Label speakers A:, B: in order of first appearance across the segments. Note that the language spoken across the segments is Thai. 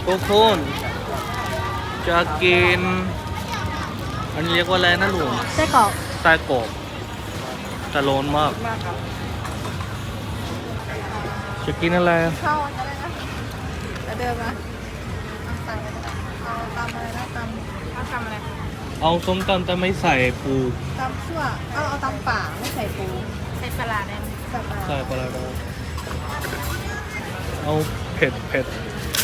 A: ทุกคนจะกินอันนี้เรียกว่าอะไรนะลุง
B: ไส้กรอก
A: ไส้กรอกแต่ร้อนมากจะกินอะไร
B: ข้าวอะไรนะแล้วเดิมนะสั่งเอาตำอะไรนะตำอะไร
A: เอาส้มตำแต่ไม่ใส่ปู
B: ตำชั่วเอาตำป่าไม่ใส่ปูใส่ปลาได้ใส่ปลา
A: ใส่ปลาร้าเอาเผ็ดเผ็ด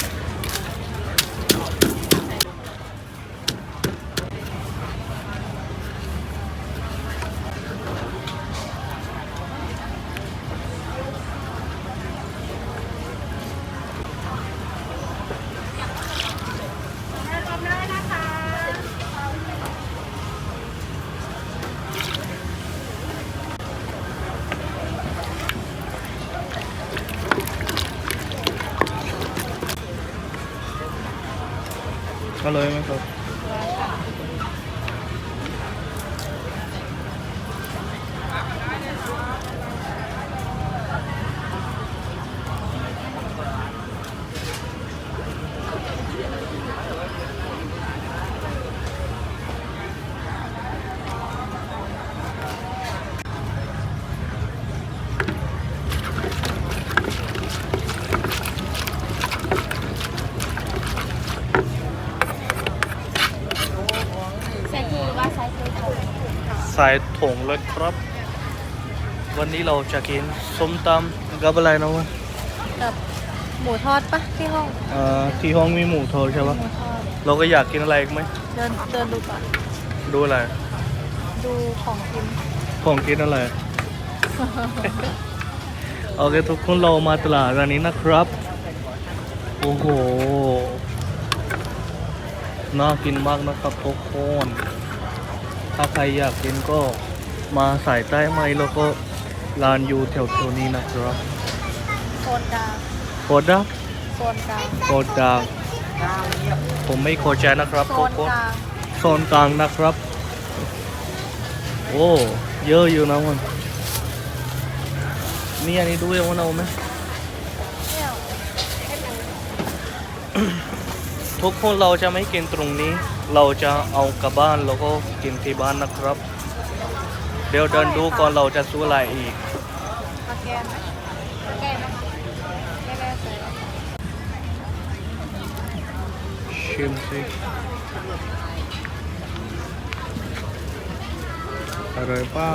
A: อร่อยไหมครับ
B: ใส่คือว่าใส่คือ
A: ใส่ถุงเลยครับ วันนี้เราจะกินส้มตำกับอะไรนะวะ
B: กับหมูทอดปะที่ห้อง
A: ที่ห้องมีหมูทอดใช่ปะ
B: หมูทอด
A: เราก็อยากกินอะไรอีกไหม
B: เดินดูก่อน
A: ดูอะไร
B: ดูของกิน
A: ของกินอะไร โอเคทุกคนเรามาตลาดร้านนี้นะครับ โอ้โห น่ากินมากนะครับทุกคน ถ้าใครอยากกินก็มาสายใต้ไหมแล้วก็ร้านอยู่แถวๆนี้นะครับ
B: โซนกลาง
A: โคดัก
B: โซนกลาง
A: โคดักผมไม่โคใจนะครับ
B: โซ
A: ทุก
B: น
A: คน
B: กลาง
A: โซนกลางนะครับ โอ้เยอะอยู่นะมันมีอันนี้ด้วยว่าเอาไหม
B: เนี่ย
A: ทุกคนเราจะไม่กินตรงนี้ เราจะเอากลับบ้านแล้วก็กินที่บ้านนะครับ เดี๋ยวเดินดูก่อนเราจะซื้ออะไรอีก
B: มาแกนไหมแกนนะคะแกนใส่
A: ชิมสิอร่อยเปล่า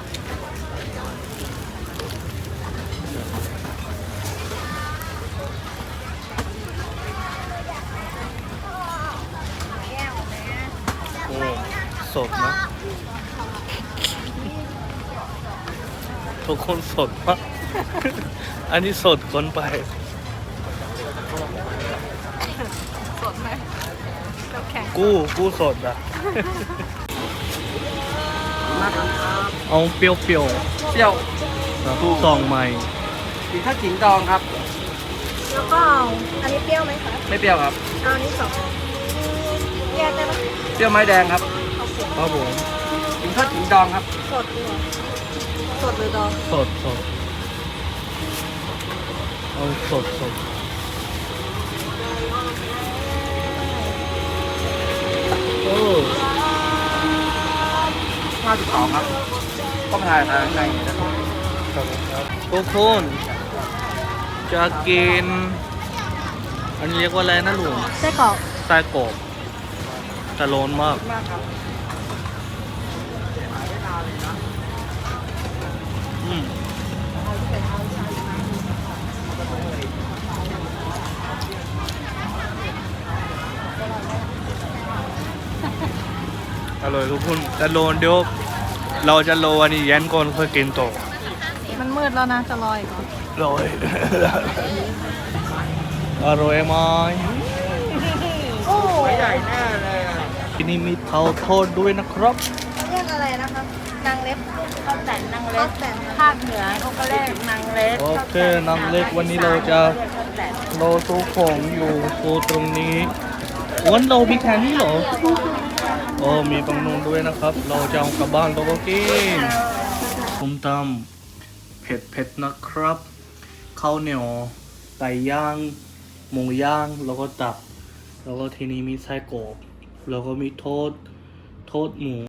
A: โอ้สดนะ ทุกคนสดมาก อันนี้สดเกินไป
B: สดไหมเราแข็ง
A: กู้สดอ่ะ เอาเปรี้ยว
C: เปรี้ยว
A: ๆครับซองใหม่
C: กินข้าวขิงดองครับ
B: แล้วก็เอาอันนี้เปรี้ยวไหมคะ
C: ไม่เปรี้ยวครับ
B: เอาอันนี้สองแยกได้ไหม
C: เปรี้ยวไม้แดงครับ
A: ครับผม
C: กินข้าวขิงดองครับ
B: สดดีกว่าสดหรือดอง
A: สดเอาสดโอ้
C: 52ครับต้องถ่ายทางในนะครับ
A: ครับผมครับทุกคนจะกิน อันนี้เรียกว่าอะไรนะลุง
B: ไส้กรอก
A: ไส้กรอกแต่ร้อนมาก
C: มากครับ
A: อืมอร่อยทุกคนแต่โลนเดี๋ยวเราจะโลอันนี้แย้นก่อนค่อยกินต่อ
B: มันมืดแล้วนะจะลอยก่อน
A: อร่อย อร่อยไหม
B: โอ้
C: ใหญ่แน่เลยอะ
A: ที่นี่มีเตาทอดด้วยนะครับ
B: เรียกอะไรนะคะนางเล็บ
D: ข้าวแต่นนางเล็
B: ข้าก วแต่น
D: ภาคเหนือเขาก็เรียกนางเล็ก
A: โอเคนางเล็กวันนี้เราจะ
D: เรียกข้าวแต่น
A: เราซื้อของอยู่ตัวตรงนี้วันเรามีแค่นี้เหรอโอ้มีตรงนู้นด้วยนะครับ เราจะเอากลับบ้านเราก็กินส้มตำเผ็ดนะครับข้าวเหนียวไก่ย่างหมูย่างแล้วก็ตับ แล้วก็ทีนี้มีไส้กรอกแล้วก็มีโทษหมู